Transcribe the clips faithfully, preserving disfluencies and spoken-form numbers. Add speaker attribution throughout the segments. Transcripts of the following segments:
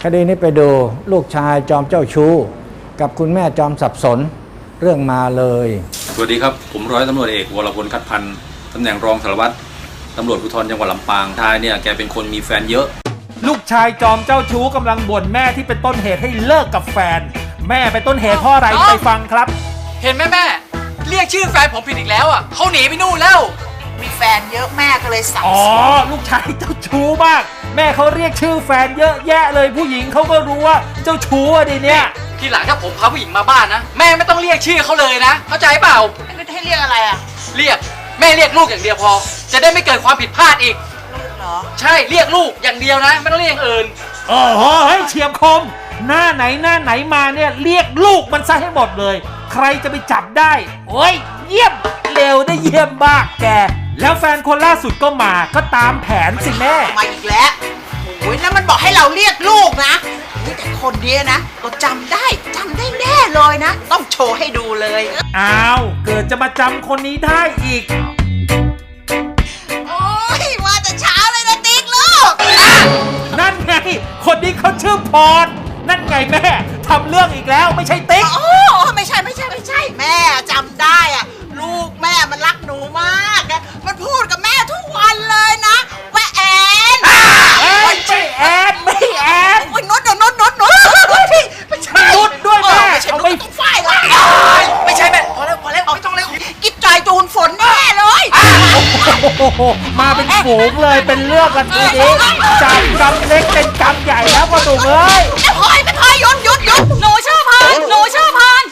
Speaker 1: คดีนี้ไปดูลูกชายจอมเจ้าชู้กับคุณแม่จอมสับสนเรื่องมาเลย
Speaker 2: สวัสดีครับผมร้อยตำรวจเอกวรพลคัดพันธ์ตำแหน่งรองสารวัตรตำรวจภูธรจังหวัดลำปางชายเนี่ยแกเป็นคนมีแฟนเยอะ
Speaker 3: ลูกชายจอมเจ้าชู้กำลังบ่นแม่ที่เป็นต้นเหตุให้เลิกกับแฟนแม่เป็นต้นเหตุเพราะอะไรไปฟังครับ
Speaker 4: เห็นไหมแม่เรียกชื่อแฟนผมผิดอีกแล้วอ่ะเขาหนีไปนู่นแล้ว
Speaker 5: มีแฟนเยอะแม่ก็เลยสับสนอ๋
Speaker 3: อลูกชายเจ้าชู้มากแม่เขาเรียกชื่อแฟนเยอะแยะเลยผู้หญิงเขาก็รู้ว่าเจ้าชู้อะดิเนี่ย
Speaker 4: ทีหลังถ้าผมพาผู้หญิงมาบ้านนะแม่ไม่ต้องเรียกชื่อเขาเลยนะเข้าใจเปล่า
Speaker 5: ให้เรียกอะไรอ่ะ
Speaker 4: เรียกแม่เรียกลูกอย่างเดียวพอจะได้ไม่เกิดความผิดพลาดอีก
Speaker 5: ลูกเหรอ
Speaker 4: ใช่เรียกลูกอย่างเดียวนะไม่ต้องเรียกอย่างอื่น
Speaker 3: โอ้โหให้เฉียบคมหน้าไหนหน้าไหนมาเนี่ยเรียกลูกมันซะให้หมดเลยใครจะไปจับได้โอ้ยเยี่ยมเร็วได้เยี่ยมมากแกแล้วแฟนคนล่าสุดก็มาก็ตามแผนสิแม่
Speaker 5: มาอีกแล้วโอ้ยแล้วมันบอกให้เราเรียกลูกนะแต่คนนี้นะเราจำได้จำได้แน่เลยนะต้องโชว์ให้ดูเลย
Speaker 3: อ้าวเกิดจะมาจำคนนี้ได้อีก
Speaker 5: โอ้ยมาแต่เช้าเลยนะติ๊กลูก
Speaker 3: นั่นไงคนนี้เขาชื่อพรนั่นไงแม่ทำเรื่องอีกแล้วไม่ใช่ติ๊ก
Speaker 5: โอ้ไม่ใช่ไม่ใช่ไม่ใช่แม่จำได้อะลูกแม่มันรักหนูมากนะมันพูดกับแม่ทุกวันเลยนะว่าแอน
Speaker 3: ไม่ใช่แอนไม่แอน
Speaker 5: โอ้ยนุชนุชนุชนุชไม่ใช่
Speaker 3: นุชด้วยแม่
Speaker 5: ไม่ใช่นุชต้องฝ่ายละ
Speaker 4: ไม่ใช่แม่พอแล้วพอแล้วไม่ต้องเลย
Speaker 5: กิ๊บจอยจูนฝนแน่เลย
Speaker 3: มาเป็นฝูงเลยเป็นเรื่องกันทีนี้จากกำเล็กเป็นกำใหญ่แล้วก็ถูกเลย
Speaker 5: ไม่พอยไม่พอยหยุดหยุดหยุดหนูชื่อพานหนูชื่อพาน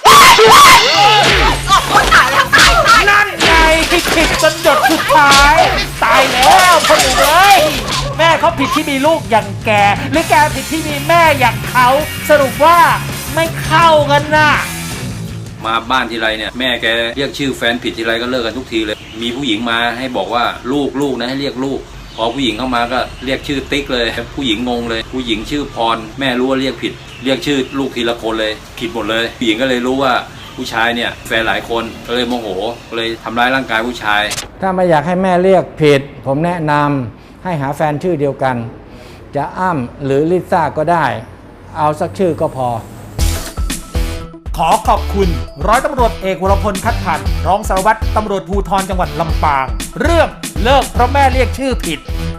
Speaker 5: คนตายแล้วตายตาย
Speaker 3: นั่นไงที่ผิดจนหยดสุดท้ายตายแล้วคนอื่นเลยแม่เขาผิดที่มีลูกอย่างแกหรือแกผิดที่มีแม่อย่างเขาสรุปว่าไม่เข้ากันน่ะ
Speaker 2: มาบ้านทีไรเนี่ยแม่แกเรียกชื่อแฟนผิดทีไรก็เลิกกันทุกทีเลยมีผู้หญิงมาให้บอกว่าลูกลูกนะให้เรียกลูกพอผู้หญิงเข้ามาก็เรียกชื่อติ๊กเลยผู้หญิงงงเลยผู้หญิงชื่อพรแม่รู้ว่าเรียกผิดเรียกชื่อลูกทีละคนเลยผิดหมดเลยผู้หญิงก็เลยรู้ว่าผู้ชายเนี่ยแฟนหลายคนก็เลยโมโหก็เลยทำร้ายร่างกายผู้ชาย
Speaker 1: ถ้าไม่อยากให้แม่เรียกผิดผมแนะนำให้หาแฟนชื่อเดียวกันจะอ้ำหรือลิซ่าก็ได้เอาสักชื่อก็พอ
Speaker 3: ขอขอบคุณร้อยตำรวจเอกวรพลคัดพันธ์รองสารวัตรตำรวจภูธรจังหวัดลำปางเรื่องเลิกเพราะแม่เรียกชื่อผิด